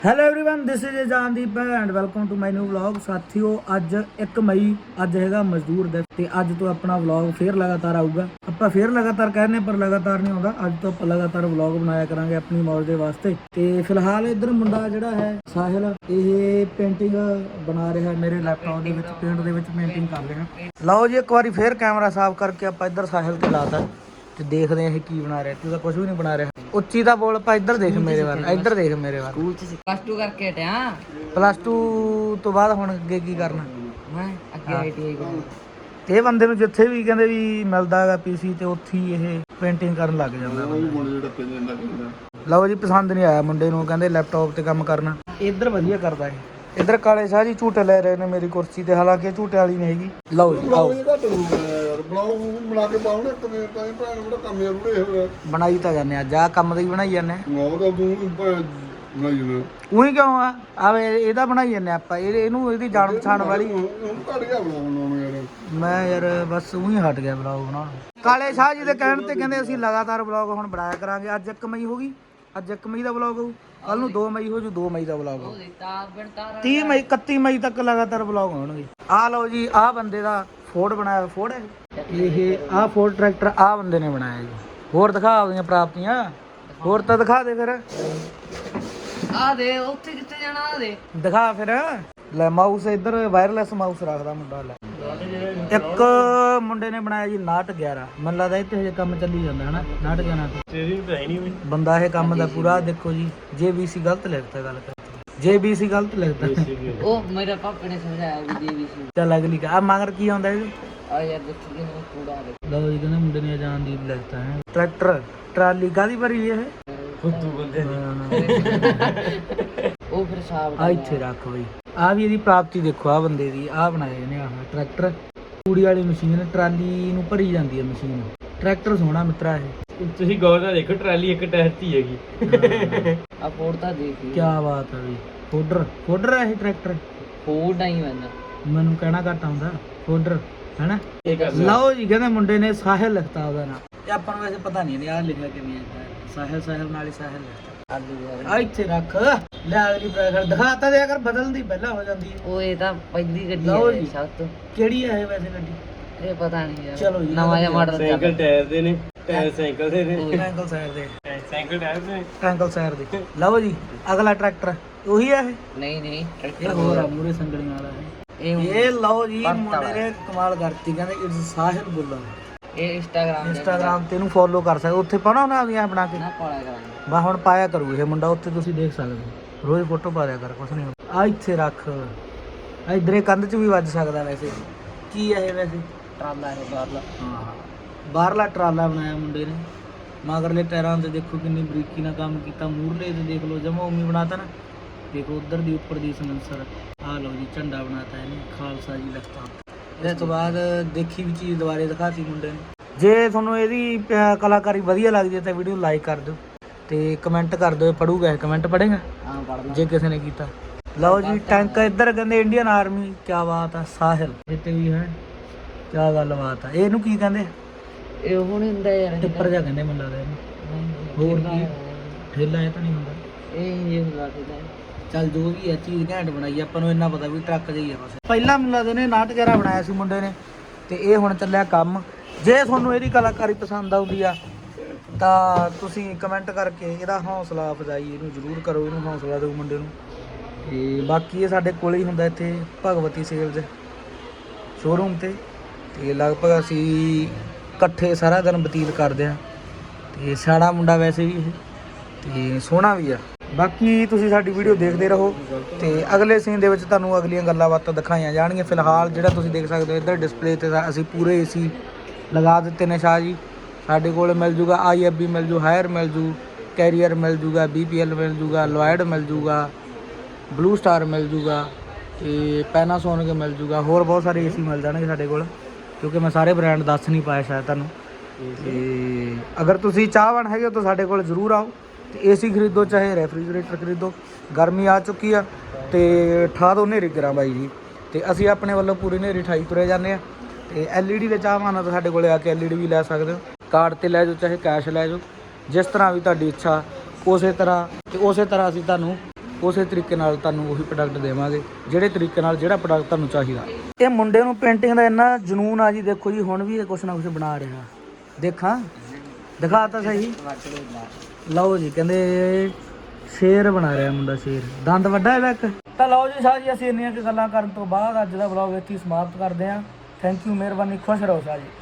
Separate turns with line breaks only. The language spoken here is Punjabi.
Hello everyone this is Jandeep and welcome to my new vlog. ਸਾਥੀਓ ਅੱਜ 1 ਮਈ ਅੱਜ ਹੈਗਾ ਮਜ਼ਦੂਰ ਦਿਵਸ ਤੇ ਅੱਜ ਤੋਂ ਆਪਣਾ ਵਲੌਗ ਫੇਰ ਲਗਾਤਾਰ ਆਊਗਾ। ਆਪਾਂ ਫੇਰ ਲਗਾਤਾਰ ਕਹਿੰਦੇ ਪਰ ਲਗਾਤਾਰ ਨਹੀਂ ਆਉਂਦਾ। ਅੱਜ ਤੋਂ ਆਪਾਂ ਲਗਾਤਾਰ ਵਲੌਗ ਬਣਾਇਆ ਕਰਾਂਗੇ ਆਪਣੀ ਮੌਜ ਦੇ ਵਾਸਤੇ। ਤੇ ਫਿਲਹਾਲ ਇੱਧਰ ਮੁੰਡਾ ਜਿਹੜਾ ਹੈ ਸਾਹਿਲ ਇਹ ਪੇਂਟਿੰਗ ਬਣਾ ਰਿਹਾ ਮੇਰੇ ਲੈਪਟਾਪ ਦੇ ਵਿੱਚ ਪੇਂਟ ਦੇ ਵਿੱਚ ਪੇਂਟਿੰਗ ਕਰ ਰਿਹਾ। ਲਓ ਜੀ ਇੱਕ ਵਾਰੀ ਫੇਰ ਕੈਮਰਾ ਸਾਫ਼ ਕਰਕੇ ਆਪਾਂ ਇੱਧਰ ਸਾਹਿਲ ਤੇ ਲਾਤਾ ਤੇ ਦੇਖਦੇ ਹਾਂ ਇਹ ਕੀ ਬਣਾ ਰਿਹਾ। ਤੂੰ ਤਾਂ ਕੁਝ ਵੀ ਨਹੀਂ ਬਣਾ ਰਿਹਾ। ਉੱਚੀ ਦਾ ਬੋਲ ਪਾ ਇੱਧਰ ਦੇਖ ਮੇਰੇ ਵੱਲ ਇੱਧਰ ਦੇਖ ਮੇਰੇ ਵੱਲ।
ਸਕੂਲ ਚ ਪਲੱਸ 2 ਕਰਕੇ ਹਟਿਆ।
ਪਲੱਸ 2 ਤੋਂ ਬਾਅਦ ਹੁਣ ਅੱਗੇ ਕੀ ਕਰਨਾ?
ਮੈਂ ਅੱਗੇ ਆਈਟੀਆਈ ਕਰੂੰ।
ਤੇ ਇਹ ਬੰਦੇ ਨੂੰ ਜਿੱਥੇ ਵੀ ਕਹਿੰਦੇ ਵੀ ਮਿਲਦਾ ਹੈਗਾ ਪੀਸੀ ਤੇ ਉੱਥੇ ਹੀ ਇਹ ਪੇਂਟਿੰਗ ਕਰਨ ਲੱਗ ਜਾਂਦਾ। ਲਓ ਜੀ ਪਸੰਦ ਨਹੀਂ ਆਇਆ ਮੁੰਡੇ ਨੂੰ, ਕਹਿੰਦੇ ਲੈਪਟਾਪ ਤੇ ਕੰਮ ਕਰਨਾ। ਇੱਧਰ ਵਧੀਆ ਕਰਦਾ ਹੈ। ਇੱਧਰ ਕਾਲੇ ਸ਼ਾਹ ਜੀ ਝੂਟੇ ਲੈ ਰਹੇ ਨੇ ਮੇਰੀ ਕੁਰਸੀ ਤੇ, ਹਾਲਾਂਕਿ ਇਹ ਝੂਟੇ ਵਾਲੀ ਨਹੀਂ ਹੈਗੀ। ਲਓ ਜੀ ਆਓ ਬਣਾਈ ਤਾਂ ਜਾਂਦੇ ਅੱਜ ਆਹ ਕੰਮ ਦਾ ਹੀ ਬਣਾਈ ਜਾਂਦੇ। ਉਹੀ ਕਿਉਂ ਆ ਆਵੇ ਇਹਦਾ ਬਣਾਈ ਜਾਂਦੇ ਆਪਾਂ ਇਹਨੂੰ ਇਹਦੀ ਜਾਣ ਪਛਾਣ ਵਾਲੀ। ਮੈਂ ਯਾਰ ਬਸ ਉਹੀ ਹਟ ਗਿਆ ਬਲੌਗ ਬਣਾਉਣ। ਕਾਲੇ ਸ਼ਾਹ ਜੀ ਦੇ ਕਹਿਣ ਤੇ ਕਹਿੰਦੇ ਅਸੀਂ ਲਗਾਤਾਰ ਬਲੌਗ ਹੁਣ ਬਣਾਇਆ ਕਰਾਂਗੇ। ਅੱਜ 1 ਮਈ ਹੋ ਗਈ, ਅੱਜ 1 ਮਈ ਦਾ ਬਲੌਗ ਹੋਊ। ਕੱਲ ਨੂੰ 2 ਮਈ ਹੋ ਜੂ, 2 ਮਈ ਦਾ ਬਲੌਗ ਹੋਊ। 30 ਮਈ 31 ਮਈ ਤੱਕ ਲਗਾਤਾਰ ਬਲੌਗ ਹੋਣਗੇ। ਆਹ ਲਓ ਜੀ ਆਹ ਬੰਦੇ ਦਾ ਫੋਰਡ ਬਣਾਇਆ। ਫੋਰਡ ਹੈ ਇਹ ਆਹ ਫੋਰਡ ਟਰੈਕਟਰ ਆਹ ਬੰਦੇ ਨੇ ਬਣਾਇਆ ਜੀ। ਹੋਰ ਦਿਖਾ ਆਪਣੀਆਂ ਪ੍ਰਾਪਤੀਆਂ, ਹੋਰ ਤਾਂ ਦਿਖਾ ਦੇ ਫਿਰ।
ਆ ਦੇ ਉੱਥੇ ਕਿੱਥੇ ਜਾਣਾ? ਆ ਦੇ
ਦਿਖਾ ਫਿਰ। ਲੈ ਮਾਊਸ ਇੱਧਰ ਵਾਇਰਲੈਸ ਮਾਊਸ ਰੱਖਦਾ ਮੁੰਡਾ। ਲੈ ਇੱਕ ਮੁੰਡੇ ਨੇ ਬਣਾਇਆ ਜੀ ਨਾਟ 11। ਮੈਨੂੰ ਲੱਗਦਾ ਇੱਥੇ ਹਜੇ ਕੰਮ ਚੱਲੀ ਜਾਂਦਾ ਹੈ ਨਾ ਨਾਟ 11 ਤੇ। ਬੰਦਾ ਇਹ ਕੰਮ ਦਾ ਪੂਰਾ ਦੇਖੋ ਜੀ। JBC ਗਲਤ ਲਿਖਤਾ, ਗੱਲ ਕਰ JBC ਗਲਤ ਲਿਖਤਾ।
ਉਹ ਮੇਰਾ ਪਾਪਾ ਨੇ ਸਮਝਾਇਆ ਵੀ JBC।
ਚੱਲ ਅਗਲੀ ਆ ਮਗਰ ਕੀ ਆਉਂਦਾ ਇਹ?
ਆ ਯਾਰ ਦੇਖੀ ਕਿ ਮੈਂ ਕੂੜਾ ਦੇ।
ਲਓ ਜੀ ਕਹਿੰਦੇ ਮੁੰਡੇ ਨੇ ਜਾਨਦੀਪ ਲਿਖਤਾ ਹੈ। ਟਰੈਕਟਰ ਟਰਾਲੀ ਕਾਹਦੀ ਭਰੀ ਇਹ?
ਖੁੱਦੂ ਬੰਦੇ ਉਹ ਫਿਰ ਸਾਬ
ਆ ਇੱਥੇ ਰੱਖ ਬਈ। ਆ ਵੀ ਇਹਦੀ ਪ੍ਰਾਪਤੀ ਦੇਖੋ। ਆ ਬੰਦੇ ਦੀ ਆ ਬਣਾਏ ਨੇ ਆਹ ਟਰੈਕਟਰ। ਤੂੜੀ ਵਾਲੀ ਮਸ਼ੀਨ ਟਰਾਲੀ ਨੂੰ ਭਰੀ ਜਾਂਦੀ ਹੈ ਮਸ਼ੀਨ। ਟਰੈਕਟਰ ਸੋਹਣਾ ਮਿੱਤਰਾ ਇਹ।
ਤੁਸੀਂ ਗੌਰ ਨਾਲ ਦੇਖੋ ਟਰਾਲੀ ਇੱਕ ਟਾਇਰ ਤੇ ਹੈਗੀ।
ਆ ਫੋੜ ਤਾਂ ਦੇਖ
ਕੀ ਬਾਤ ਹੈ ਬਈ। ਫੋਡਰ ਹੈ ਇਹ ਟਰੈਕਟਰ।
ਫੋੜ ਨਹੀਂ
ਮੈਨੂੰ ਕਹਿਣਾ ਘੱਟ ਆਉਂਦਾ। ਫੋਡਰ ਹੈਨਾ। ਲਓ ਜੀ ਕਹਿੰਦੇ ਮੁੰਡੇ ਨੇ ਸਾਹਿਲ ਲਿਖਤਾ ਉਹਦਾ ਨਾਮ। ਤੇ ਆਪਾਂ ਨੂੰ ਵੈਸੇ ਪਤਾ ਨਹੀਂ ਆ ਲਿਖਿਆ ਕਿਵੇਂ ਹੈ। ਸਾਹਿਲ ਨਾਲ ਹੀ ਸਾਹਿਲ ਲਿਖਤਾ। ਆ ਇੱਥੇ ਰੱਖ। ਲੈ ਅਗਲੀ ਬ੍ਰੈਕਟ ਦਿਖਾਤਾ ਦੇ ਅਗਰ ਬਦਲਣ ਦੀ ਪਹਿਲਾਂ ਹੋ ਜਾਂਦੀ ਹੈ।
ਉਹ ਇਹ ਤਾਂ ਪਹਿਲੀ ਗੱਡੀ
ਲਓ
ਹੈ
ਜੀ।
ਸਭ ਤੋਂ।
ਕਿਹੜੀ ਹੈ ਇਹ ਵੈਸੇ ਗੱਡੀ?
ਇਹ ਪਤਾ ਨਹੀਂ ਯਾਰ।
ਚਲੋ ਜੀ
ਨਵਾਂ ਜਿਹਾ ਮਾਡਲ
ਸਾਈਕਲ ਟਾਇਰ ਦੇ ਨੇ, ਟਾਇਰ ਸਾਈਕਲ ਦੇ ਨੇ।
ਟ੍ਰਾਇੰਗਲ ਸਾਈਡ ਦੇ
ਸਾਈਕਲ ਟਾਇਰ ਦੇ,
ਟ੍ਰਾਇੰਗਲ ਸਾਈਡ ਦੇ। ਲਓ ਜੀ ਅਗਲਾ ਟਰੈਕਟਰ ਉਹੀ ਹੈ ਇਹ?
ਨਹੀਂ
ਇਹ ਹੋਰ ਆ ਮੂਰੇ ਸੰਗੜੀਆਂ ਵਾਲਾ ਹੈ ਇਹ। ਲਓ ਜੀ ਮੁੰਡੇ ਨੇ ਕਮਾਲ ਕਰਤੀ। ਕਹਿੰਦੇ ਇਟਸ ਸਾਹਿਲ ਬੁੱਲਾ।
ਇਹ
ਇੰਸਟਾਗ੍ਰਾਮ ਤੇ ਇਹਨੂੰ ਫੋਲੋ ਕਰ ਸਕਦੇ। ਉੱਥੇ ਪਾਉਣਾ ਉਹਨਾਂ ਦੀਆਂ ਬਣਾ ਕੇ
ਨਾ ਪਾਇਆ ਕਰਾਂਗੇ।
ਬਾ ਹੁਣ ਪਾਇਆ ਕਰੂ ਇਹ ਮੁੰਡਾ। ਉੱਥੇ ਤੁਸੀਂ ਦੇਖ ਸਕਦੇ ਹੋ ਰੋਜ਼ ਫੋਟੋ ਪਾ ਦਿਆ ਕਰ। ਕੁਛ ਨਹੀਂ ਆ ਇੱਥੇ ਰੱਖ। ਇਧਰੇ ਕੰਧ 'ਚ ਵੀ ਵੱਜ ਸਕਦਾ। ਵੈਸੇ ਕੀ ਹੈ ਇਹ? ਵੈਸੇ
ਟਰਾਲਾ ਹੈ ਬਾਹਰਲਾ।
ਹਾਂ ਬਾਹਰਲਾ ਟਰਾਲਾ ਬਣਾਇਆ ਮੁੰਡੇ ਨੇ। ਮਗਰਲੇ ਟਾਇਰਾਂ ਤੇ ਦੇਖੋ ਕਿੰਨੀ ਬਰੀਕੀ ਨਾਲ ਕੰਮ ਕੀਤਾ। ਮੂਰਲੇ ਤੇ ਦੇਖ ਲਓ ਜਮਾ ਉਮੀ ਬਣਾਤਾ ਨਾ। ਦੇਖੋ ਉਧਰ ਦੀ ਉੱਪਰ ਦੀ ਸਲੈਂਸਰ। ਆ ਲਓ ਜੀ ਝੰਡਾ ਬਣਾਤਾ ਇਹਨੇ ਖਾਲਸਾ ਜੀ ਲਿਖਤਾ। ਇਸ ਤੋਂ ਬਾਅਦ ਦੇਖੀ ਵੀ ਚੀਜ਼ ਦੁਬਾਰੇ ਦਿਖਾਤੀ ਮੁੰਡੇ ਨੇ। ਜੇ ਤੁਹਾਨੂੰ ਇਹਦੀ ਕਲਾਕਾਰੀ ਵਧੀਆ ਲੱਗਦੀ ਹੈ ਤਾਂ ਵੀਡੀਓ ਲਾਈਕ ਕਰ ਦਿਓ ਤੇ ਕਮੈਂਟ ਕਰ ਦਿਓ। ਪੜੂਗਾ ਕਮੈਂਟ ਪੜੇਗਾ
ਹਾਂ ਪੜਦਾ
ਜੇ ਕਿਸੇ ਨੇ ਕੀਤਾ। ਲਓ ਜੀ ਟੈਂਕ ਇੱਧਰ ਕਹਿੰਦੇ ਇੰਡੀਅਨ ਆਰਮੀ। ਕੀ ਬਾਤ ਆ। ਸਾਹਿਲ ਇੱਥੇ ਵੀ ਹੈ। ਕੀ ਗੱਲਬਾਤ ਆ। ਇਹਨੂੰ ਕੀ ਕਹਿੰਦੇ?
ਇਹ ਉਹ ਨਹੀਂ ਹੁੰਦਾ ਯਾਰ।
ਟਿੱਪਰ ਜਿਹਾ ਕਹਿੰਦੇ ਮੈਨੂੰ ਲੱਗਦਾ ਇਹਨੂੰ। ਹੋਰ ਕੀ ਠੇਲਾ ਇਹ ਤਾਂ ਨਹੀਂ ਹੁੰਦਾ।
ਇਹ ਹੁੰਦਾ ਠੇਲਾ।
ਚੱਲ ਜੋ ਵੀ ਹੈ ਚੀਜ਼ ਘੈਂਟ ਬਣਾਈ। ਆਪਾਂ ਨੂੰ ਇੰਨਾ ਪਤਾ ਵੀ ਟਰੱਕ ਜਿਹੀ ਆ ਬਸ। ਪਹਿਲਾਂ ਮੈਨੂੰ ਲੱਗਦਾ ਨੇ ਨਾਟ 11 ਬਣਾਇਆ ਸੀ ਮੁੰਡੇ ਨੇ ਤੇ ਇਹ ਹੁਣ ਚੱਲਿਆ ਕੰਮ। ਜੇ ਤੁਹਾਨੂੰ ਇਹਦੀ ਕਲਾਕਾਰੀ ਪਸੰਦ ਆਉਂਦੀ ਆ ਤਾਂ ਤੁਸੀਂ ਕਮੈਂਟ ਕਰਕੇ ਇਹਦਾ ਹੌਸਲਾ ਅਫਜ਼ਾਈ ਇਹਨੂੰ ਜ਼ਰੂਰ ਕਰੋ। ਇਹਨੂੰ ਹੌਸਲਾ ਦਿਓ ਮੁੰਡੇ ਨੂੰ। ਤੇ ਬਾਕੀ ਇਹ ਸਾਡੇ ਕੋਲੇ ਹੀ ਹੁੰਦਾ ਇੱਥੇ ਭਗਵਤੀ ਸੇਲਜ਼ ਸ਼ੋਰੂਮ ਤੇ ਲਗਭਗ ਅਸੀਂ ਇਕੱਠੇ ਸਾਰਾ ਦਿਨ ਬਤੀਤ ਕਰਦੇ ਹਾਂ। ਤੇ ਸਿਆਣਾ ਮੁੰਡਾ ਵੈਸੇ ਵੀ ਇਹ ਤੇ ਸੋਹਣਾ ਵੀ ਆ। ਬਾਕੀ ਤੁਸੀਂ ਸਾਡੀ ਵੀਡੀਓ ਦੇਖਦੇ ਰਹੋ ਤੇ ਅਗਲੇ ਸੀਨ ਦੇ ਵਿੱਚ ਤੁਹਾਨੂੰ ਅਗਲੀਆਂ ਗੱਲਾਂ ਬਾਤਾਂ ਦਿਖਾਈਆਂ ਜਾਣਗੀਆਂ। ਫਿਲਹਾਲ ਜਿਹੜਾ ਤੁਸੀਂ ਦੇਖ ਸਕਦੇ ਹੋ ਇੱਧਰ ਡਿਸਪਲੇ ਤੇ ਅਸੀਂ ਪੂਰੇ AC ਲਗਾ ਦਿੱਤੇ ਨੇ ਸ਼ਾਹ ਜੀ। ਸਾਡੇ ਕੋਲ ਮਿਲ ਜੂਗਾ IFB ਮਿਲ ਜੂ, ਹਾਇਰ ਮਿਲ ਜੂ, ਕੈਰੀਅਰ ਮਿਲ ਜੂਗਾ, BPL ਮਿਲ ਜੂਗਾ, ਲੋਇਡ ਮਿਲ ਜੂਗਾ, ਬਲੂ ਸਟਾਰ ਮਿਲ ਜੂਗਾ ਤੇ ਪੈਨਾਸੋਨਿਕ ਮਿਲ ਜੂਗਾ। ਹੋਰ ਬਹੁਤ ਸਾਰੇ AC ਮਿਲ ਜਾਣਗੇ ਸਾਡੇ ਕੋਲ ਕਿਉਂਕਿ ਮੈਂ ਸਾਰੇ ਬ੍ਰਾਂਡ ਦੱਸ ਨਹੀਂ ਪਾਇਆ ਸ਼ਾਇਦ ਤੁਹਾਨੂੰ। ਤੇ ਅਗਰ ਤੁਸੀਂ ਚਾਹਵਾਨ ਹੈਗੇ ਹੋ ਤਾਂ ਸਾਡੇ ਕੋਲ ਜ਼ਰੂਰ ਆਓ ਤੇ AC ਖਰੀਦੋ ਚਾਹੇ ਰੈਫਰੀਜਰੇਟਰ ਖਰੀਦੋ। ਗਰਮੀ ਆ ਚੁੱਕੀ ਆ ਤੇ ਠਾ ਦੋ ਹਨੇਰੀ ਗਰਾਂ ਬਾਈ ਜੀ। ਤੇ ਅਸੀਂ ਆਪਣੇ ਵੱਲੋਂ ਪੂਰੀ ਹਨੇਰੀ ਠਾਈ ਤੁਰੇ ਜਾਂਦੇ ਆ। ਤੇ LED ਦੇ ਚਾਹਵਾਨ ਆ ਤਾਂ ਸਾਡੇ ਕੋਲ ਆ ਕੇ LED ਵੀ ਲੈ ਸਕਦੇ ਹੋ। ਕਾਰਡ ਤੇ ਲੈ ਜਾਓ ਚਾਹੇ ਕੈਸ਼ ਲੈ ਜਾਓ, ਜਿਸ ਤਰ੍ਹਾਂ ਵੀ ਤੁਹਾਡੀ ਇੱਛਾ ਉਸੇ ਤਰ੍ਹਾਂ ਅਸੀਂ ਤੁਹਾਨੂੰ ਉਸੇ ਤਰੀਕੇ ਨਾਲ ਤੁਹਾਨੂੰ ਉਹੀ ਪ੍ਰੋਡਕਟ ਦੇਵਾਂਗੇ, ਜਿਹੜੇ ਤਰੀਕੇ ਨਾਲ ਜਿਹੜਾ ਪ੍ਰੋਡਕਟ ਤੁਹਾਨੂੰ ਚਾਹੀਦਾ। ਇਹ ਮੁੰਡੇ ਨੂੰ ਪੇਂਟਿੰਗ ਦਾ ਇੰਨਾ ਜਨੂਨ ਆ ਜੀ, ਦੇਖੋ ਜੀ ਹੁਣ ਵੀ ਇਹ ਕੁਛ ਨਾ ਕੁਛ ਬਣਾ ਰਿਹਾ। ਦੇਖਾਂ, ਦਿਖਾ ਤਾਂ ਸਹੀ। ਲਓ ਜੀ, ਕਹਿੰਦੇ ਸ਼ੇਰ ਬਣਾ ਰਿਹਾ ਮੁੰਡਾ, ਸ਼ੇਰ। ਦੰਦ ਵੱਡਾ ਇਹਦਾ ਇੱਕ। ਤਾਂ ਲਓ ਜੀ ਸ਼ਾਹ ਜੀ, ਅਸੀਂ ਇੰਨੀਆਂ ਕੁ ਗੱਲਾਂ ਕਰਨ ਤੋਂ ਬਾਅਦ ਅੱਜ ਦਾ ਵਲੌਗ ਇੱਥੇ ਹੀ ਸਮਾਪਤ ਕਰਦੇ ਹਾਂ। ਥੈਂਕ ਯੂ, ਮਿਹਰਬਾਨੀ, ਖੁਸ਼ ਰਹੋ ਸ਼ਾਹ ਜੀ।